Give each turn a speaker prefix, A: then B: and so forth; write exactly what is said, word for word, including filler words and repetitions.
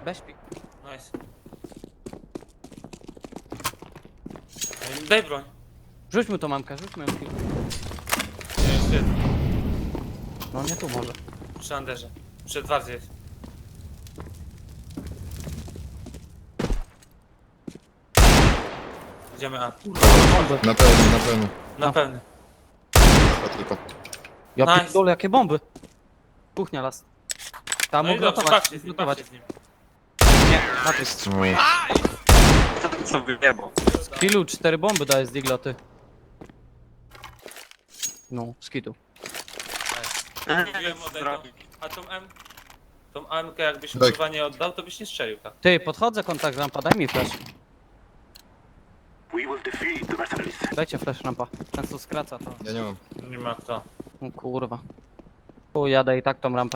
A: Weź pik.
B: Nice. Ej, daj broń.
A: Rzuć mu tą mamkę, rzuć mu ją.
B: Jeszcze jeden.
A: No nie tu może.
B: Przy Anderze. Przy Edwardzie jest. Idziemy A.
C: Na pewno, na pewno.
B: Na
A: A.
B: pewno.
C: To tylko.
A: Ja
B: Nice.
A: pierdolę, jakie bomby. Kuchnia las. Tam
B: No i
A: mógł
B: dobrze,
A: ratować,
B: bawcie z nim,
A: ratować.
B: bawcie z nim.
A: Nie, Matryk.
D: Co wyjebał?
A: Kilu, cztery bomby daje z digloty. No, skitu.
B: Mówiłem o tego. A tą M... Tą M K jakbyś
C: Daj.
B: kurwa nie oddał, to byś nie strzelił tak.
A: Ty, podchodzę, kontakt rampa, daj mi flash. Dajcie flash rampa. Ten co skraca to.
C: Ja nie mam.
B: Nie ma kto.
A: O kurwa. O, jadę i tak tą rampę.